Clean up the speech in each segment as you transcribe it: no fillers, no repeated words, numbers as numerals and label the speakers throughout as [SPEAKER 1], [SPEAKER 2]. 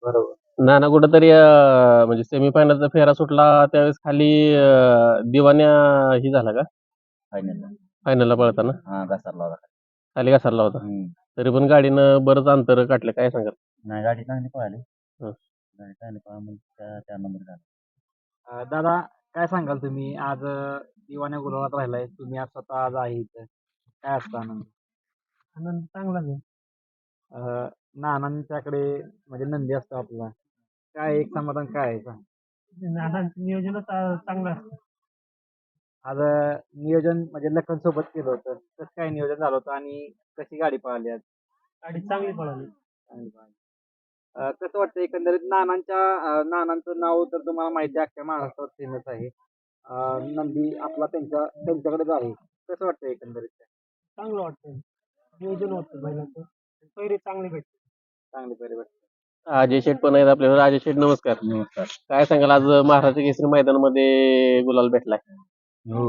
[SPEAKER 1] बरोबर.
[SPEAKER 2] नाना कुठंतरी म्हणजे सेमीफायनलचा फेरा सुटला त्यावेळेस खाली दिवान्या ही झाला का
[SPEAKER 1] फायनलला.
[SPEAKER 2] फायनलला पळताना
[SPEAKER 1] हां, घसरला होता.
[SPEAKER 2] खाली घसरला होता. तरी पण गाडीनं बरंच अंतर काढलं, काय सांगाल?
[SPEAKER 1] नाही, गाडी चांगली पळाली.
[SPEAKER 2] हं.
[SPEAKER 1] गाडी चांगली पळाली त्या नंबर झाला.
[SPEAKER 3] दादा काय सांगाल तुम्ही आज दिवाण्या गुलाबात राहिलाय तुम्ही आज स्वतः आज आहे इथं काय असतं आनंद?
[SPEAKER 4] आनंद चांगलाच आहे.
[SPEAKER 3] नानांच्याकडे म्हणजे नंदी असतो आपला काय एक समाधान काय आहे सांग?
[SPEAKER 4] नानांचं नियोजनच चांगलं असतं.
[SPEAKER 3] आज नियोजन म्हणजे लखन सोबत केलं होतं कसं काय नियोजन झालं होतं आणि कशी गाडी पळाली आज?
[SPEAKER 4] गाडी चांगली पळाली.
[SPEAKER 3] चांगली पळाली. कसं वाटतं एकंदरीत नानांचं नाव तर तुम्हाला माहिती आहे अख्ख्या महाराष्ट्रात फेमस आहे. नंदी आपला त्यांच्याकडेच आहे कसं वाटतं एकंदरीत?
[SPEAKER 4] चांगलं वाटतं. नियोजन होतं बैलाचं. पहिरे चांगली भेटते.
[SPEAKER 3] चांगली परिवर्तन.
[SPEAKER 2] अजय शेठ पण आहेत आपल्याला. अजय शेठ नमस्कार.
[SPEAKER 1] नमस्कार.
[SPEAKER 2] काय सांगाल आज महाराष्ट्र केसरी मैदानामध्ये गुलाल भेटलाय?
[SPEAKER 1] हो.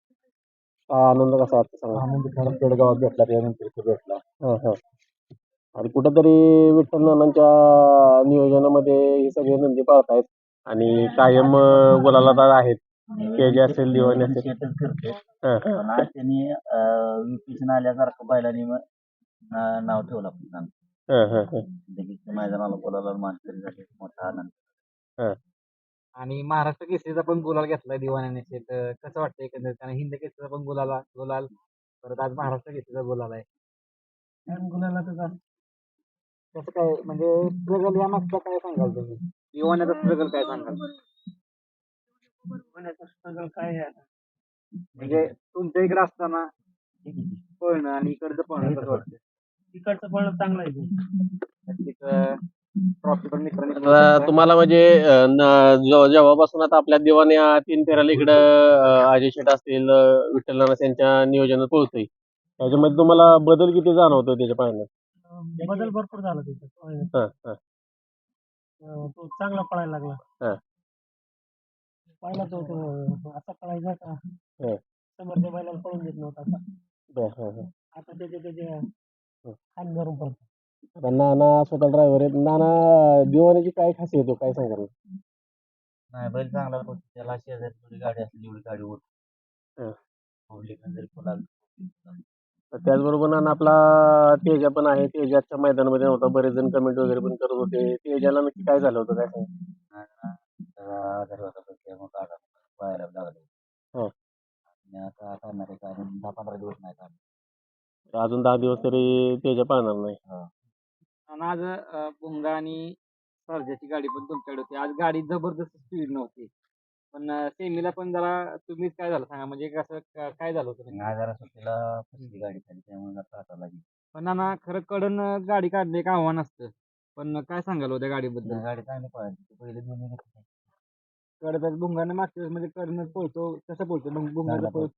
[SPEAKER 2] आनंद कसा वाटतो सांगा?
[SPEAKER 1] आनंद खरं पेडगावात भेटला त्यानंतर भेटला.
[SPEAKER 2] आणि कुठंतरी विठ्ठल नानांच्या नियोजनामध्ये हे सगळे नंदी पाळतायत आणि कायम गुलालात आहेत. के जे असेल दिवाणी असेल.
[SPEAKER 1] शेतच फिरते.
[SPEAKER 2] हं.
[SPEAKER 1] पण आज त्यांनी विपिशन आल्यासारखं बैलांनी नाव ठेवलं आपण. लगेच मैदानाला बोलायला मानकरी झाले. मोठा आनंद.
[SPEAKER 3] आणि महाराष्ट्र केसरीचा पण गुलाल घेतलाय दिवाण्याने तर कसं वाटतं एकंदरीत आणि हिंद केसरीचा पण गुलाल परत आज महाराष्ट्र केसरीचा गुलाल आहे
[SPEAKER 4] गुलालातच असतं.
[SPEAKER 3] कसं काय म्हणजे स्ट्रगल या मागचा काय सांगाल तुम्ही दिवाण्याचा स्ट्रगल काय सांगाल
[SPEAKER 4] पुण्याचं स्ट्रगल काय आहे आता?
[SPEAKER 3] म्हणजे तुमच्या इकडे असताना पळणं आणि इकडचं पळणं कसं वाटतं
[SPEAKER 4] तिकडचं पळणं चांगलं आहे.
[SPEAKER 3] ट्रॉफी पण मित्रांनी
[SPEAKER 2] आता तुम्हाला म्हणजे जेव्हापासून आता आपल्या दिवाण्या 3 फेऱ्याला इकडं अजय शेठ असतील, विठ्ठल नाना यांच्या नियोजनात पोहोचतोय. त्याच्यामध्ये तुम्हाला बदल किती जाणवतो त्याच्या पाहण्यात?
[SPEAKER 4] बदल भरपूर झाला त्याच्यात. तो चांगला पळायला लागला. पहिला तो असा पळायचा का समोरच्या बैलाला पळून देत नव्हता असा. आता त्याचे खान भरून पळतो.
[SPEAKER 2] आता नाना स्वतः ड्रायव्हर आहेत. नाना दिवाण्याची काय खासियत आहे, काय सांगाल?
[SPEAKER 1] नाही, बैल चांगला होता. त्याला शेजारी थोडी गाडी असली एवढी गाडी होत. जरी पळाला.
[SPEAKER 2] तर त्याचबरोबर नाना आपला तेजा पण आहे. तेजाच्या मैदानामध्ये नव्हता. बरेच जण कमेंट वगैरे पण करत होते. तेजाला नक्की काय झालं होतं, काय सांगाल?
[SPEAKER 1] आजारी होता तो त्यामुळे गाडा पळायला लागला. आणि आता करणार आहे कारण 10-15 दिवस नाही काढणार.
[SPEAKER 2] तर अजून 10 दिवस तरी तेजा पाळणार नाही.
[SPEAKER 3] आणि आज भुंगा आणि सर्जाची गाडी पण तुमच्याकडे होती आज गाडी जबरदस्त स्पीड नव्हती पण सेमीला पण जरा तुम्हीच काय झालं सांगा म्हणजे कसं काय झालं होतं
[SPEAKER 1] नाही, जरा सुट्टीला फसली गाडी खाली त्यामुळे जरा त्रास लागली.
[SPEAKER 3] पण नाना खरं कडन गाडी काढणे एक आव्हान असतं पण काय सांगाल होत्या गाडीबद्दल
[SPEAKER 1] गाडी चांगली पळाली. पहिले दोन्ही घेतले.
[SPEAKER 3] कडच भुंगाने मागच्या वेळेस म्हणजे कडनं पळतो कसं पळतो मग भुंगाचं पळ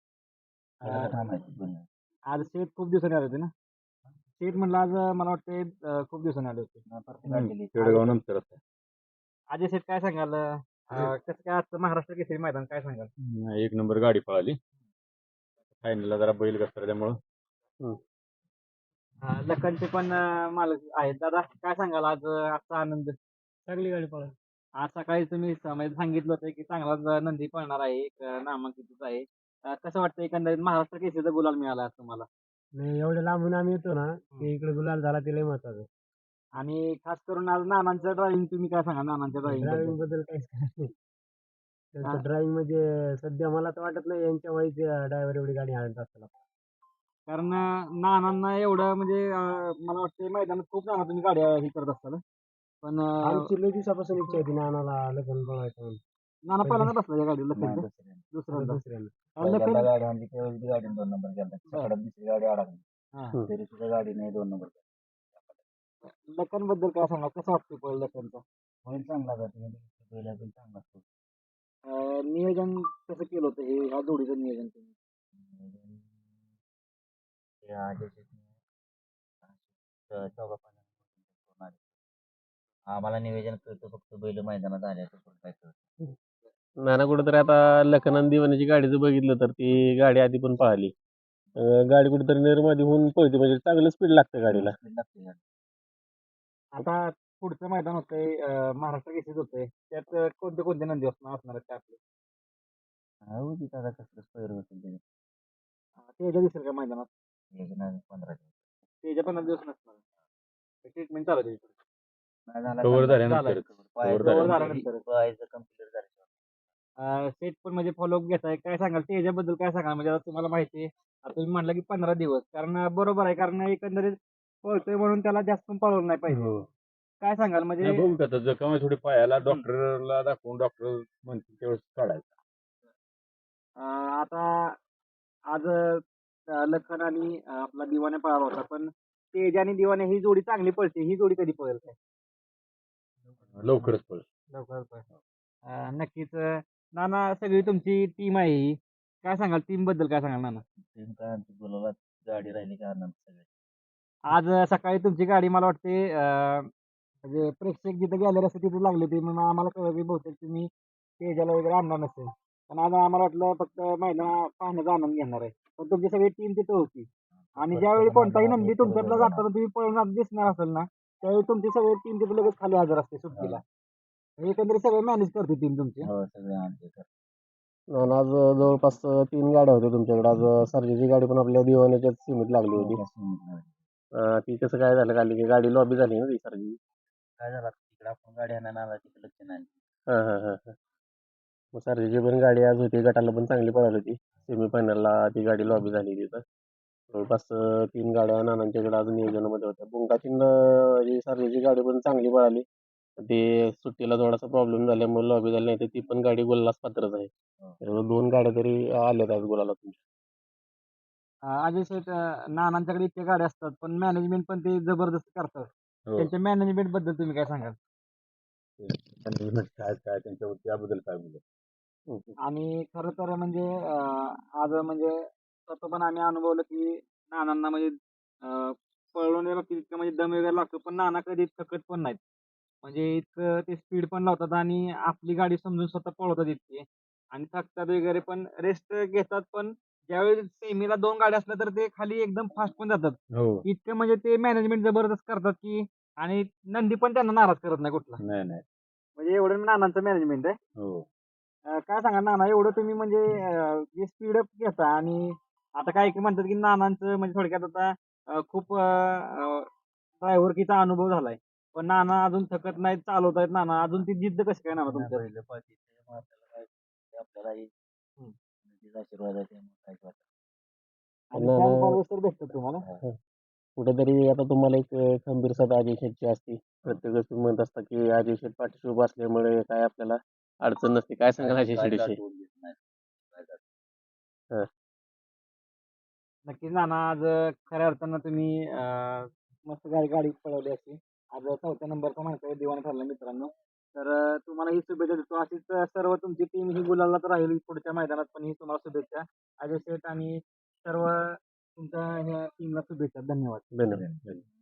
[SPEAKER 3] आज शेत खूप दिवसांनी आले होते ना शेत म्हणलं आज मला वाटतं खूप दिवसांनी आले होते
[SPEAKER 1] पेडगाव नंतर
[SPEAKER 3] अजय शेठ काय सांगाल कसं काय आजचं महाराष्ट्र केसरी मैदान काय सांगाल
[SPEAKER 1] एक नंबर गाडी पळाली. फायनलला जरा बैल घसरल्यामुळं
[SPEAKER 3] लखनचे पण मालक आहेत दादा काय सांगाल आज आजचा आनंद
[SPEAKER 4] चांगली गाडी पळाली.
[SPEAKER 3] आज सकाळी तुम्ही म्हणजे सांगितलं होतं की चांगलाच नंदी पळणार आहे एक नामांकितच आहे कसं वाटतं एकंदरीत महाराष्ट्र केसरीचा गुलाल मिळाला आज तुम्हाला
[SPEAKER 4] नाही एवढ्या लांबून आम्ही येतो ना की इकडे गुलाल झाला ते लय महत्वाचं.
[SPEAKER 3] आणि खास करून आज नानांचं ड्रायव्हिंग तुम्ही काय सांगा नानांच्या
[SPEAKER 4] ड्रायव्हिंग
[SPEAKER 3] ड्रायव्हिंग
[SPEAKER 4] बद्दल काहीच नाही. त्यांचं ड्रायव्हिंग म्हणजे सध्या मला तर वाटत नाही यांच्या वयाचे ड्रायव्हर एवढी गाडी हाणत असताना.
[SPEAKER 3] कारण नानांना एवढं म्हणजे मला वाटतं मैदानात खूप नाना तुम्ही गाड्या हे करत असताल पण
[SPEAKER 4] आमची लय दिवसापासून इच्छा होती नानाला लग्न बनवायचं म्हणून.
[SPEAKER 3] नाना पहिल्यांदा बसला या गाडीला लखनच्या दुसऱ्यांदा लखन
[SPEAKER 1] गाडी आणली त्यावेळी गाडी 2 नंबर गेला. सकाळी दुसरी गाडी अडकली तरी सुद्धा गाडी नाही 2 नंबर.
[SPEAKER 3] लखन बद्दल काय सांगा कसं वाटतं पण लखनचा
[SPEAKER 1] बैल चांगला जातो. बैल चांगला असतो.
[SPEAKER 3] नियोजन कसं केलं होतं हे ह्या जोडीचं नियोजन तुम्ही
[SPEAKER 1] आम्हाला नियोजन करतो फक्त बैल मैदानात आल्याचं काय करतो.
[SPEAKER 2] नाना कुठेतरी आता लखनन दिवाण्याची गाडी जर बघितलं तर ती गाडी आधी पण पळाली. गाडी कुठेतरी निर्मादी होऊन पळते म्हणजे चांगलं स्पीड लागतं गाडीला.
[SPEAKER 3] आता पुढचं मैदान होतंय महाराष्ट्र केसरीच होतंय त्यात कोणते कोणते नंदी असणार आहेत ते आपले
[SPEAKER 1] हो तिथं आता कसं पैर होतील ते
[SPEAKER 3] तेजा दिसेल का मैदानात
[SPEAKER 1] 15 दिवस
[SPEAKER 3] तेजा 15 दिवस नसणार ट्रीटमेंट चालू आहे त्याची.
[SPEAKER 1] नाही झाला
[SPEAKER 5] कव्हर
[SPEAKER 1] चांगला.
[SPEAKER 5] झाल्यानंतर
[SPEAKER 3] cover झाल्यानंतर.
[SPEAKER 1] पाहायचं कम्प्लीट झालं
[SPEAKER 3] सेट पण म्हणजे फॉलोअप घेताय काय सांगाल त्याच्याबद्दल काय सांगाल म्हणजे आता तुम्हाला माहिती आहे आता तुम्ही म्हटलं की 15 दिवस कारण बरोबर आहे कारण एकंदरीत पळतोय म्हणून त्याला जास्त पण पळवलं नाही पाहिजे
[SPEAKER 5] हो.
[SPEAKER 3] काय सांगाल म्हणजे
[SPEAKER 5] नाही बघू का आता जखम थोडी पायाला डॉक्टरला दाखवून डॉक्टर म्हणतील तेवढं काढायचं.
[SPEAKER 3] आता आज लखन आणि आपला दिवाने पळाला होता पण तेज आणि दिवाने ही जोडी चांगली पळते ही जोडी कधी पळेल काय
[SPEAKER 5] लवकरच पळ.
[SPEAKER 3] लवकरच पळेल नक्कीच नाना सगळी तुमची टीम आहे ही काय सांगाल टीम बद्दल काय सांगाल नाना
[SPEAKER 1] टीम काय आमची गुलाबात गाडी राहिली का आनंद सगळे
[SPEAKER 3] आज सकाळी तुमची गाडी मला वाटते म्हणजे प्रेक्षक जिथे गेलेले असते तिथे लागली होती मग आम्हाला कळलं की बहुतेक तुम्ही तेजाला वगैरे आणणार नसेल पण आज आम्हाला वाटलं फक्त मैदान पाहण्याचा आनंद घेणार आहे पण तुमची सगळी टीम तिथे होती आणि ज्यावेळी कोणताही नंदी तुमच्यातला जाताना तुम्ही पळणार दिसणार असेल ना त्यावेळी तुमची सगळी टीम तिथे लगेच खाली हजर असते सुट्टीला एकंदरीत सगळं मॅनेज करते टीम तुमची
[SPEAKER 1] हो सगळे आमचे
[SPEAKER 2] आणि आज जवळपास 3 गाड्या होत्या तुमच्याकडे आज सर्जेची गाडी पण आपल्या दिवाण्याच्याच सीमित लागली होती ती कसं काय झालं खाली की गाडी लॉबी झाली ना ती सर्जी
[SPEAKER 1] काय झालं तिकडे आपण गाडी आणायला आला तिकडे लक्ष नाही
[SPEAKER 2] हां हां हां हां मग सर्जेची पण गाडी आज होती गटाला पण चांगली पळाली होती सेमीफायनलला ती गाडी लॉबी झाली तिथं जवळपास 3 गाड्या नानांच्याकडे आज नियोजनामध्ये होत्या बुंगाची ही सर्जेची गाडी पण चांगली पळाली ते सुट्टीला थोडासा प्रॉब्लेम झाल्यामुळे लॉबी झाली नाही तर ती पण गाडी गोलास पात्रच आहे त्यामुळे 2 गाड्या तरी आल्यात आज गोलाला तुमच्या
[SPEAKER 3] अजय शेठ नानांच्याकडे इतक्या गाड्या असतात पण मॅनेजमेंट पण ते जबरदस्त करतात
[SPEAKER 5] हो.
[SPEAKER 3] त्यांच्या मॅनेजमेंट बद्दल तुम्ही काय सांगाल
[SPEAKER 5] काय काय त्यांच्या त्याबद्दल काय बोलू
[SPEAKER 3] आणि खरं तर म्हणजे आज म्हणजे स्वतः पण आम्ही अनुभवलं की नानांना म्हणजे पळवण्याला इतकं म्हणजे दम वगैरे लागतो पण नाना कधी थकत पण नाहीत म्हणजे इतकं ते स्पीड पण लावतात आणि आपली गाडी समजून स्वतः पळवतात इतके आणि थकतात वगैरे पण रेस्ट घेतात पण ज्यावेळी सेमीला 2 गाड्या असल्या तर ते खाली एकदम फास्ट पण जातात
[SPEAKER 5] हो
[SPEAKER 3] इतकं म्हणजे ते मॅनेजमेंट जबरदस्त करतात की आणि नंदी पण त्यांना नाराज करत नाही कुठला
[SPEAKER 5] नाही नाही
[SPEAKER 3] म्हणजे एवढं नानांचं मॅनेजमेंट आहे
[SPEAKER 5] हो
[SPEAKER 3] काय सांगा नाना एवढं तुम्ही म्हणजे जे स्पीडअप घेता आणि आता काही म्हणतात की नानांचं म्हणजे थोडक्यात आता खूप ड्रायव्हरकीचा अनुभव झालाय पण नाना अजून थकत नाहीत चालवत आहेत नाना अजून ती जिद्द कशी काय नाना तुमच्या
[SPEAKER 1] पहिले पाहिजे आपल्याला काय ते आपल्याला तिचा आशीर्वाद आहे त्यामुळे काय वाटत
[SPEAKER 3] आणि fan followers तर भेटतात तुम्हाला
[SPEAKER 2] कुठेतरी आता तुम्हाला एक खंबीर सदा अजय शेठची असते प्रत्येक तुम्ही म्हणत असता की अजय शेठ पाठीशी उभा असल्यामुळे काय आपल्याला अडचण नसते काय सांगाल अजय शेठविषयी
[SPEAKER 3] नक्कीच नाना आज खऱ्या अर्थानं तुम्ही मस्त गाडी पळवली असती आज 4थ्या नंबरचा माहिती दिवाण ठरला मित्रांनो तर तुम्हाला ही शुभेच्छा देतो अशीच सर्व तुमची टीम ही गुलालात राहील पुढच्या मैदानात पण ही तुम्हाला शुभेच्छा अजय शेठ आणि सर्व तुमच्या ह्या टीमला शुभेच्छा धन्यवाद
[SPEAKER 2] धन्यवाद